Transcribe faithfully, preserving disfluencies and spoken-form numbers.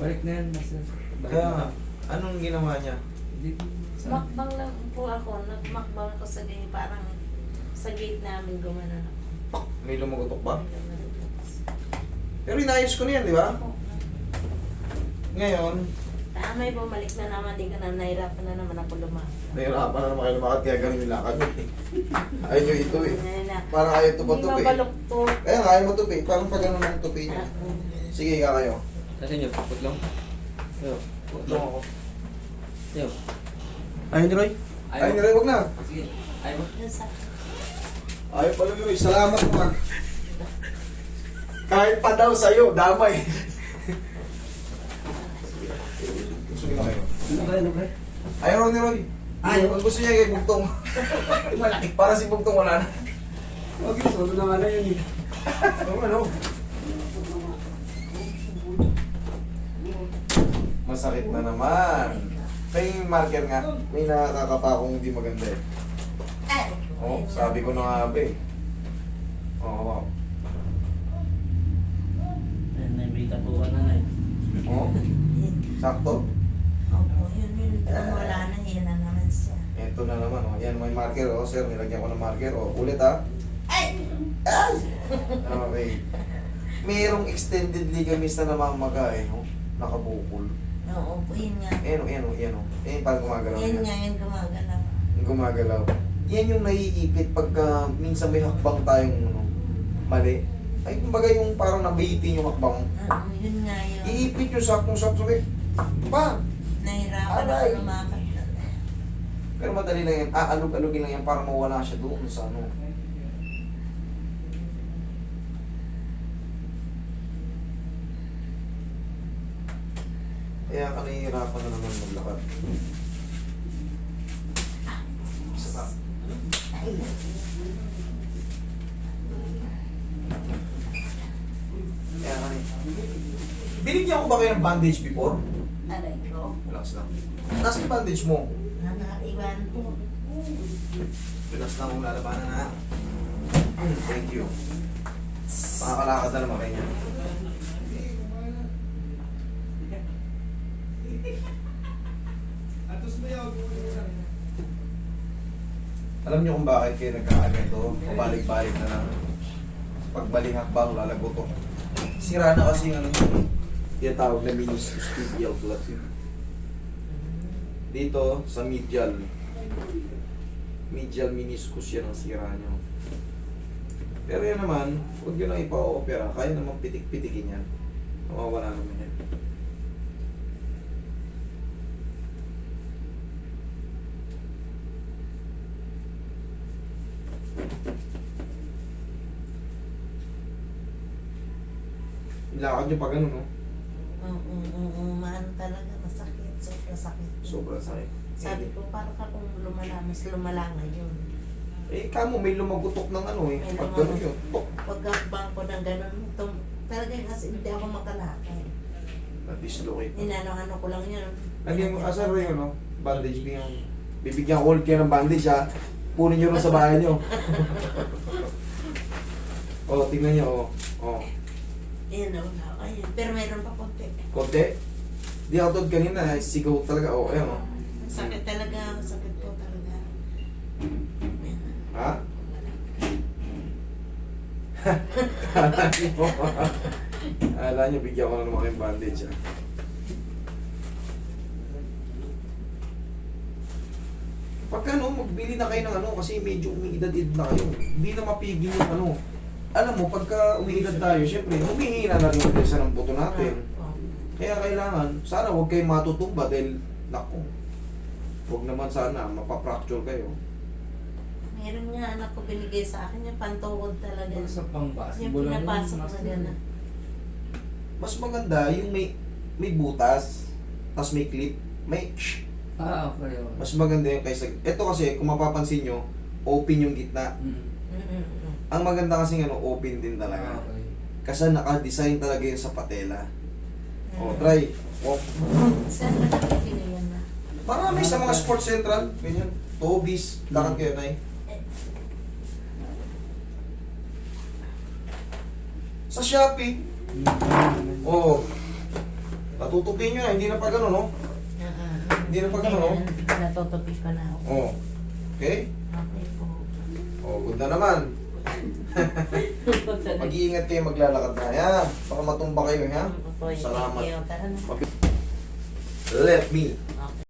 Balik na yan, master. Balik Kaya na. nga, anong ginawa niya? Hindi. Sa... Makbang lang po ako. Nagmakbang ako sa gate. Parang sa gate namin gumanon ako. May lumagotok ba? May gumanon ako. Pero inayos ko na yan, di ba? Opo. Ngayon, Tamay, bumalik na naman. Di ka na nahirapan na naman ako lumakad. nahirapan na naman kayo lumakad kaya ganun yung lakad eh. Ayaw nyo ito eh. Ngayon na. Parang ayaw ito Hindi patupi. mabaluktot. Kaya nga, ayaw matupi. Parang pag ganun ang tupi niya. Sige, ika kayo. Kasi nyo, putlong. Yo. Putlong ako. Yo. Ayaw ni Roy? Ayaw. Ayaw ni Roy, wag na. Sige. Ayaw mo. Ayaw pala ni Roy. Salamat naman. Kahit pa daw sa'yo, damay. Sige na kayo. Ano ba, ano ba? Ayaw raw ni Roy. Ayaw. Ang gusto niya kay Bugtong. Malaki. Para si Bugtong wala na. Huwag yun, solo na nga na yun eh. Ano, ano? Masakit na naman. May marker nga. May nakakapa akong hindi maganda eh. Oh, sabi ko na nga ba eh. Oo, oh, Ayan, naibita po ka na na eh. oh. Sakto. Opo, yun yun. Wala na. Yan na naman siya. Ito na naman, oh. Yan, may marker, oh. Sir, nilagyan ko ng marker, oh. Ulit, ha? Ay! Ay! Okay. Mayroong extended ligaments na namamaga, eh, oh. Nakabukol. Oo po, yun nga. Ayan, oh, ayan, oh, ayan, oh. Ayan, parang gumagalaw Yan yan. nga, yan gumagalaw. Yung gumagalaw. Yan yung naiipit pagka minsan may hakbang tayong, ano, mali. Ay, kumbaga yung parang nabitin yung hakbang. Oo, yun nga yun. Iipit yung saktong-sakto, eh. Pa! Nahirapan Aray! ako lumakad. Pero madali lang yan. Ah, alug-alugin lang yan para mawala siya doon sa ano. Kaya ka nahihirapan na naman maglakad. Isa pa. Kaya ka na- Binigyan ko ba kayo ng bandage before? Aray ko. Relax lang. Nasaan yung bandage mo? Nanaiwan po. Relax lang kung lalabanan na. Thank you. Makakalakad na naman kayo niya. Alam niyo kung bakit kayo nagkakaganito? Pabalik-balik na lang. Pagbalik hakbang, lalagotok. Sira na kasi yung ano yun. Yung tawag na meniscus tibial flat yun. Dito, sa medial. Medial meniscus yan ang sira nyo. Pero yan naman, huwag yun lang ipa-opera. Kaya naman pitik-pitikin yan. Mawawala naman yan. Ilakad nyo pa ganun, no? Oo, oo, oo, maano talaga, masakit, sobrang sakit. Sobrang sakit. Sabi ko, parang ka kung lumala, mas lumala ngayon. Eh, kamo may lumagutok ng ano eh. May Pag lumagutok. ganun yun, tok. Pagkakbang ko ng gano'n, tum, talaga kasi hindi ako makalakay. Na-dislocate. Ninano-ano ko lang yun. Lagyan mo, asar yun, no? Bandage mo yung... Bibigyan ko ulit kayo ng bandage, ha? Punin nyo rin sa bahay nyo. O, tingnan nyo, o. O, Ayan, oh, ayun. Pero mayroon pa konti. konti. Di ako tulad kanina, eh, sigaw talaga. O, ayan, o. Sakit talaga, sakit po talaga. Ha? Kala nyo, kala nyo, bigyan ko na naman kayong bandage, ha? Pagka ano, magbili na kayo ng ano, kasi medyo umiidad-id na kayo. Hindi na mapigil yung ano. Alam mo, pagka umiidad tayo, syempre, humihina na rin yung presa ng buto natin. Kaya kailangan, sana huwag kayong matutumba dahil, naku, huwag naman sana, mapapracture kayo. Meron nga anak ko binigay sa akin, yung pantukod talaga. Pag sa Yung pang-basketball lang pinapasok yun, na master. gano'n. Mas maganda yung may may butas, tapos may clip, may shh. Ah, okay. okay. Mas maganda yung kaysa... Ito kasi, kung mapapansin nyo, open yung gitna. Mm. Mm-mm. Ang maganda kasi ano, open din talaga. Ah, okay. Kasi naka-design talaga yun sa patela. O, try. Walk. Saan ba nakikili yan na? Marami sa mga sports central, ganyan. Tobis, lakad kayo na Sa Shopee, Mm. oh, tutupin nyo na, hindi na pa gano'n, no? Hindi na pa ganun, oh. Natutupi ko na ako. Oh. Okay? Okay po. Oh, good na naman. Mag-iingat kayo maglalakad na. Yan. Baka matumba kayo, ha? Opo, Salamat. thank you. Tara na. Let me